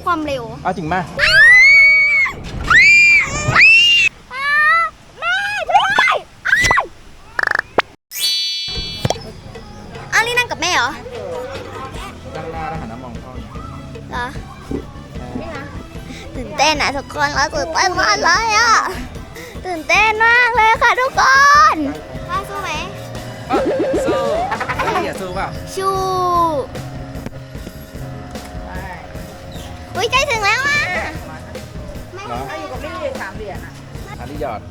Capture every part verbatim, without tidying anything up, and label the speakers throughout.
Speaker 1: ความเร็ว
Speaker 2: เอาจริงมา
Speaker 1: แม่ด้วยอันนี้นั่งกับแม่เหรอ
Speaker 2: ตั้งหน้าแล้วหันน้ำมองพ่อ
Speaker 1: เหรอตื่นเต้นนะทุกคนเราตื่นเต้นมากเลยอ่ะตื่นเต้นมากเลยค่ะทุกคนพ่อสู้ไหม
Speaker 2: สู้พี่อย่าสู้เปล่า
Speaker 1: ชูอุ้ยใกล้ถึงแล้วอ่ะ
Speaker 3: ไม่เอาอยู่กับพี่สามเหรียญอ่ะ
Speaker 2: อันนี้หยอด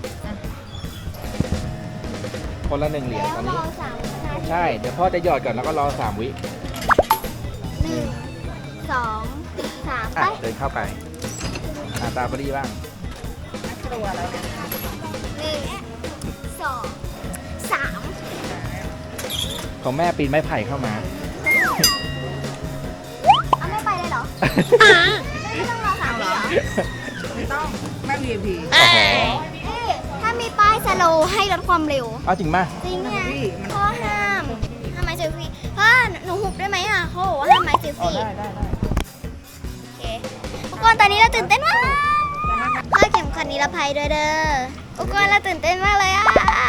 Speaker 2: คนละหนึ่งเหรียญตอนนี้ใช่เดี๋ยวพ่อจะหยอดก่อนแล้วก็รอสามวิ
Speaker 1: หนึ่งสองสามไป
Speaker 2: เดินเข้าไปหาตาบรีบ้าง
Speaker 3: ตัวแล้ว
Speaker 1: หนึ่งสองสาม
Speaker 2: ของแม่ปีนไม้ไผ่เข้ามา
Speaker 1: เอาไม่ไปเลยเหรอไม่ต้องรอสามวิเหรอ
Speaker 3: ไม่ต้องแม่ วี ไอ พี
Speaker 1: ถ้ามีป้ายสโลว์ให้ลดความเร็ว
Speaker 2: เอาจริงป่ะ
Speaker 1: จริงเนี่ยพ่อห้ามห้ามไม้เซลฟี่พ่อหนูหุบได้ไหมอ่ะเขาบอกว่าห้ามไม้เซลฟี่
Speaker 2: ได้ได้ได้
Speaker 1: โอเคทุกคนตอนนี้เราตื่นเต้นมากพ่อเข็มขัดนิรภัยด้วยเด้อทุกคนเราตื่นเต้นมากเลยอ่ะ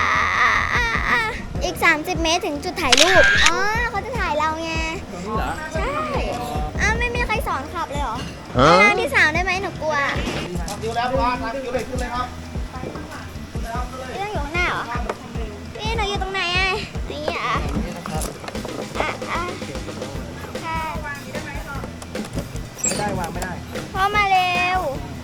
Speaker 1: อีกสามสิบเมตรถึงจุดถ่ายรูปอ๋อเขาจะถ่ายเราไงใช่อ้าวไม่มีใครสอนขับเลยเหรอไปนั่งที่สามได้ไหมหนูกลัว
Speaker 4: คิวแล้วพอทางคิวเลยขึ้นเลยครับ
Speaker 1: พี่ต้องอยู่ข้างหน้าเหรอพี่หนูอยู่ตรงไหนอ่ะนี่อ่ะอ่ะอ่ะค่ะ
Speaker 2: ไม่ได้วางไม่ได้
Speaker 1: พ่อมาเร็ว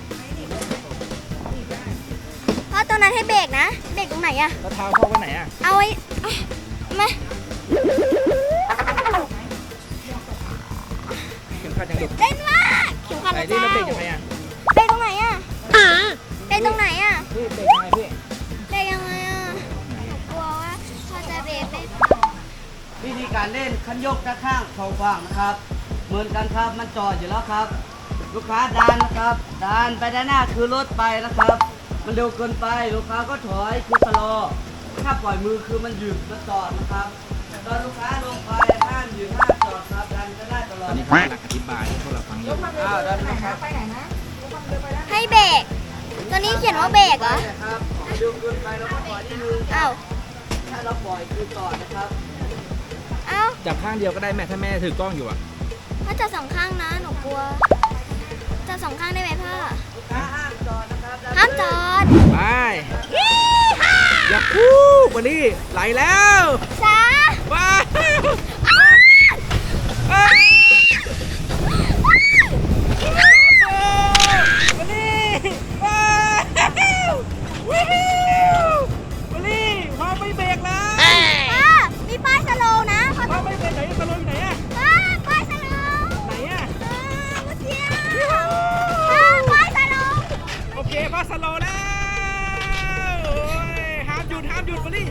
Speaker 1: พ่อตรงนั้นให้เบรกนะเบรกตรงไหนอ่ะ
Speaker 2: แล้วเท้าพ่อไว้ไหนอ่ะ
Speaker 1: เอาไว้มา
Speaker 2: เข็มขัดยังดุ
Speaker 1: เต้นมากเข็มขัด
Speaker 2: ไหน
Speaker 1: นะ
Speaker 2: ดิ
Speaker 1: เจ้า
Speaker 2: แล้วเบรกยังไงอ่ะ
Speaker 1: เบรกตรงไหนอ่ะเบรกตรงไหนอ่ะ
Speaker 2: พี่เบรกยังไงพี่
Speaker 1: เบรกยังไงอ่ะกลัวว่าพ่อจะเบรกไม่
Speaker 5: วิธีการเล่นคันยกด้านข้างสองฝั่งนะครับเหมือนกันครับมันจอดอยู่แล้วครับลูกค้าดันนะครับดันไปด้านหน้าคือรถไปนะครับมันเร็วเกินไปลูกค้าก็ถอยคือชะลอถ้าปล่อยมือคือมันหยุดมันจอดนะครับตอนลูกค้าลงไปห้ามหยุดห้ามจอดครับดันก็ได้ตลอด
Speaker 2: ตอนนี้พ่อกำลังอธิบายให้พวกเราฟังอยู่
Speaker 5: อ้าวดันนะครับ
Speaker 1: ให้เบรกตัวนี้เขียนว่าเบรกเหรอ
Speaker 5: ครับเร็วเกินไปเราก็ถอยนิดนึง
Speaker 1: อ้าว
Speaker 5: ถ้าเราปล่อยคือจอดนะครับ
Speaker 1: อ้าว
Speaker 2: จับข้างเดียวก็ได้แม่ถ้าแม่ถือกล้องอยู่อ่ะ
Speaker 1: พ่อจับสองข้างนะหนูกลัวจับสองข้างได้ไหมพ่อ
Speaker 5: ห้ามจอดนะครับ
Speaker 1: ห้ามจอด
Speaker 2: ไปอย่าคู่วันนี้ไหลแล้ว
Speaker 1: จ้า
Speaker 2: ว้าวันนี้ว้าววันนี้พ่อไม่เบรกแล้ว
Speaker 1: มีป้ายสโลว์นะ
Speaker 2: พ่อไม่เบรกไหนสโลว์อยู่ไหนอะ
Speaker 1: ป้ายสโลว์
Speaker 2: ไหนอะ
Speaker 1: เมื่อกี้ป้ายสโลว์
Speaker 2: โอเคป้ายสโลว์แล้วห้ามหยุดห้ามหยุดวันนี้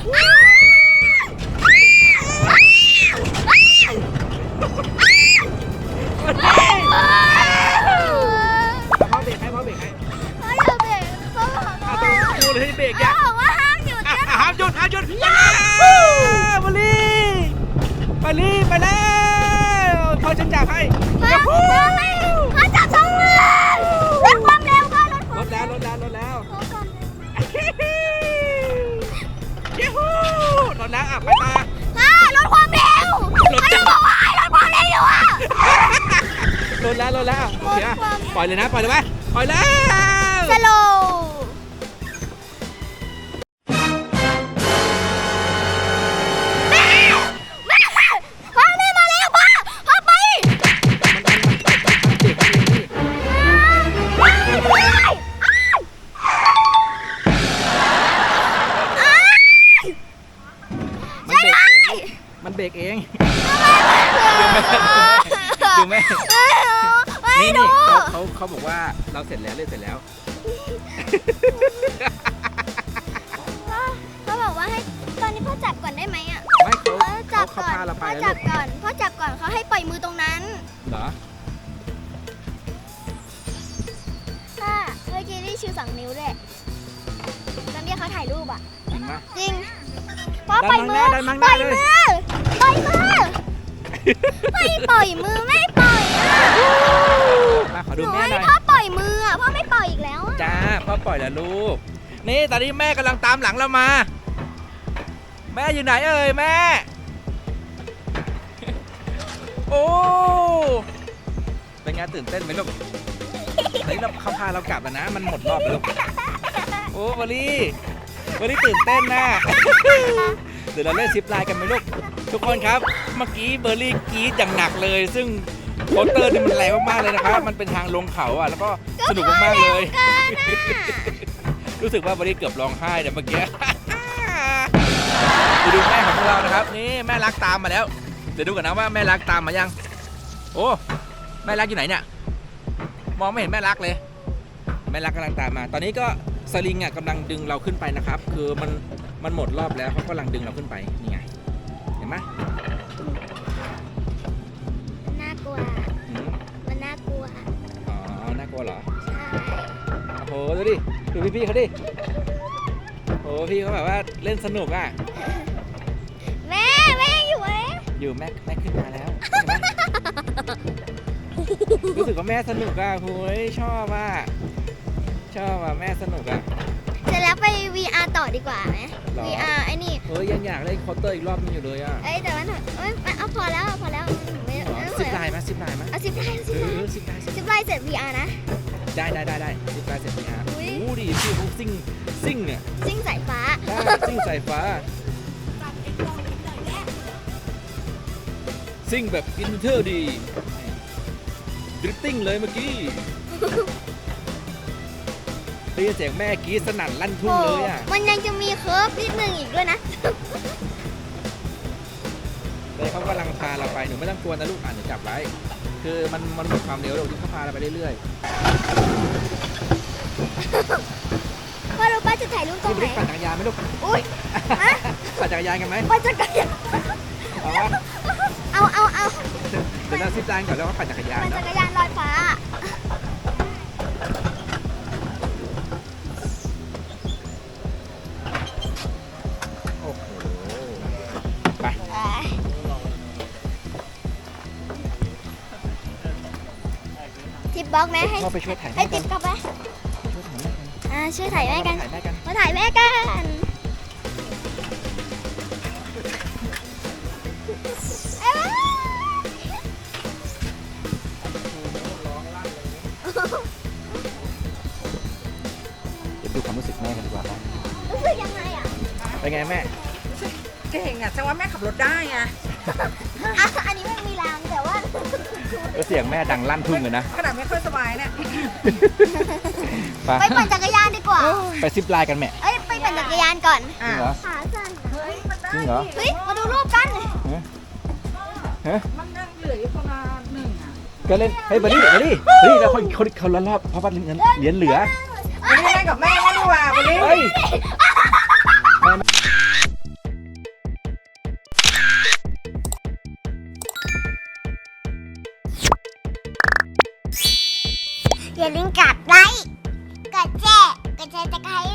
Speaker 2: พ่อเบรกให้พ่อเบรกให้
Speaker 1: พ่ออย่าเบรกพ่อบอกว่า
Speaker 2: ดูเลยให้เบรกเนี่ย
Speaker 1: พ่อบอกว่าห้ามหยุด
Speaker 2: ห้ามหยุดห้ามหยุดมาลีมาลีไปแล้วพ่อจะจับให้
Speaker 1: พ่อพ่อจับสองมือลดความเร็วพ่อลดความ
Speaker 2: ลดแล้วลดแล้วลดแล้ว
Speaker 1: ลดความเร็ว
Speaker 2: ยูฮูลดแล้วอ่ะไปตา
Speaker 1: พ่อลดความเร็วพ่อจะบอกว่าลดความเร็วอยู่อ่ะ
Speaker 2: ลดแล้วลดแล้วโอเคปล่อยเลยนะปล่อยเลยไหมปล่อยแล้ว
Speaker 1: สโล
Speaker 2: มันเบรกเอง
Speaker 1: ดูไหมไม่ดู
Speaker 2: เขาเขาบอกว่าเราเสร็จแล้วเล่นเสร็จแล้ว
Speaker 1: เขาบอกว่าให้ตอนนี้พ่อจับก่อนได้ไหมอ่ะ
Speaker 2: ไม่เขา
Speaker 1: จับก่อนพ่อจับก่อนพ่อจับก่อนเขาให้ปล่อยมือตรงนั้น
Speaker 2: เหรอ
Speaker 1: ค่ะเมื่อกี้ได้ชูสองนิ้วด้วยตอนนี้เขาถ่ายรูปอ่ะ
Speaker 2: จริงปะ
Speaker 1: จริงพ่อปล่อยมือปล่อยมือปล่อยมือไม่ปล่อยมือไม่ปล่อยอ่ะ
Speaker 2: พ่อปล่อยแล้วลูกนี่ตอนนี้แม่กำลังตามหลังเรามา แม่อยู่ไหนเอ่ยแม่โอ้เป็นไงตื่นเต้นไหมลูกเฮ้ยเราเขาพาเรากลับแล้วนะมันหมดรอบแล้วลูกโอ้วอลลี่วอลลี่ตื่นเต้นนะ เดี๋ยวเราเล่นซิปไลน์กันไหมลูกทุกคนครับเมื่อกี้เบอร์รี่กรี๊ดอย่างหนักเลย ซึ่งโคสเตอร์นี่มันแรงมากๆเลยนะครับมันเป็นทางลงเขาอ่ะแล้วก็สนุกมากๆเลย รู้สึกว่าเบอร์รี่เกือบร้องไห้แต่เมื่อกี้ดูดูแม่ของพวกเรานะครับนี่แม่รักตามมาแล้วเดี๋ยวดูกันนะว่าแม่รักตามมายังโอ้แม่รักอยู่ไหนเนี่ยมองไม่เห็นแม่รักเลยแม่รักกำลังตามมาตอนนี้ก็สลิงอ่ะกำลังดึงเราขึ้นไปนะครับคือมันมันหมดรอบแล้วเขากำลังดึงเราขึ้นไปนี่ไงเห็นไหม
Speaker 1: น่ากลัว
Speaker 2: อืม
Speaker 1: มันน่ากลัว
Speaker 2: อ๋อน่ากลัวเหรอ
Speaker 1: ใช่
Speaker 2: โอ้โหดูดิดูพี่ๆเขาดิโอ้พี่เขาแบบว่าเล่นสนุกอ่ะ
Speaker 1: แม่แม่ยังอยู่ไหม
Speaker 2: อยู่แม่แม่ขึ้นมาแล้วเห็นไหมรู้สึกว่าแม่สนุกอ่ะโอ้ยชอบอ่ะชอบอ่ะแม่สนุกอ่ะ
Speaker 1: เสร็จแล้วไป วี อาร์ ต่อดีกว่าไหม
Speaker 2: หรอ
Speaker 1: วี อาร์ ไอ้นี่
Speaker 2: เฮ้ยยังอยากเล่นเคาน์เตอร์อีกรอบนึงอยู่เลยอ่ะ
Speaker 1: เอ้ยแต่ว่าหนูเอ้ยเอาพอแล้วพอแล้วไม่
Speaker 2: หรอ
Speaker 1: ไม่
Speaker 2: สิบลายไหมสิบลายไหม
Speaker 1: เอาสิบไลน์
Speaker 2: เอ
Speaker 1: สิบไลน์
Speaker 2: อสิบลายสิบ
Speaker 1: สิบไลน์เสร็จ วี อาร์ นะ
Speaker 2: ได้ได้ได้ได้สิบลายเสร็จพี่อาร์
Speaker 1: อุ๊ย
Speaker 2: โอ้ดีพี่เขาซิ่งซิ่งเนี่ย
Speaker 1: ซิ่งสายฟ้า
Speaker 2: ได้ซิ่งสายฟ้าซิ่งแบบอินเทอร์ดีดริฟติ้งเลยเมื่อกี้ได้ยินเสียงแม่กรี๊ดสนั่นลั่นทุ่งเลยอ่ะ
Speaker 1: มันยังจะมีเคิร์ฟนิดนึงอีกด้วยนะ
Speaker 2: เลยเขากำลังพาเราไปหนูไม่ต้องกลัวนะลูกอ่านหนูจับไว้คือมันมันหมดความเร็วแล้วที่เขาพาเราไปเรื่อย
Speaker 1: พ่อรู้ป้าจะถ่ายรูป
Speaker 2: ๆ
Speaker 1: ตร
Speaker 2: พี่
Speaker 1: ง
Speaker 2: บ
Speaker 1: ไหน
Speaker 2: ริกปั่นจักรยานไหมลูก
Speaker 1: อุ้ยฮะ
Speaker 2: ปั่นจักรยานกันไหม
Speaker 1: ป้าจะกระยาน
Speaker 2: เอาวะ
Speaker 1: เอาเอาเอา
Speaker 2: เดี๋ยวเราซิปไลน์ก่อนแล้วก็ปั่นจักรยาน
Speaker 1: ปั่น
Speaker 2: เนาะ
Speaker 1: จักรยานลอยฟ้า
Speaker 2: โอ้โหไป
Speaker 1: ทิปบล็อกไหมให้
Speaker 2: พ่อไปช่วยถ่าย
Speaker 1: ให้
Speaker 2: แม่กั
Speaker 1: ทิ
Speaker 2: น
Speaker 1: ปกลับไป
Speaker 2: ช่วยถ่ายแม่กัน
Speaker 1: อ่าช่วยถ่ายแม่กัน
Speaker 2: ถ่ายแม่กัน
Speaker 1: มาถ่ายแม่กันเอ้ย
Speaker 2: เดี๋ยวดูความรู้สึกแม่กันดีกว่าครับ
Speaker 1: รู้สึกยังไงอ่ะ
Speaker 2: เป็นไงแม่
Speaker 3: เก่งอ่ะแสดงว่าแม่ขับรถได้ไง
Speaker 1: อ่ะอันนี้ไม่มีรางแต่ว่า
Speaker 2: ก็เสียงแม่ดังลั่นทุ่งเลยนะ
Speaker 3: ขนาดไม่ค่อยสบายเนี่ย
Speaker 2: ไป
Speaker 1: ไปปั่นจักรยานดีกว่า
Speaker 2: ไปซิปไลน์กันแม่
Speaker 1: เอ้ยไปปั่นจักรยานก่อน
Speaker 2: จริงเหรอ
Speaker 1: ขาสั่น
Speaker 3: เฮ้ยมันได้
Speaker 2: จริงเหรอ
Speaker 1: เฮ้ยมาดูรูปกัน
Speaker 2: ฮะฮะ
Speaker 3: มันนั่งเหลืออยู่ประมาณหนึ่งอ่ะ
Speaker 2: ก็เล่นเฮ้ยบอดี้บอดี้เฮ้ยแล้วคนคนเขาละรอบเพราะว่าเหรียญเหรียญเหลือ
Speaker 3: วันนี้เล่นกับแม่ก็ดีกว่าวันนี้
Speaker 2: เฮ้ย
Speaker 1: อย่าลืมกดไลค์กดแชร์กดแชร์ตะไคร้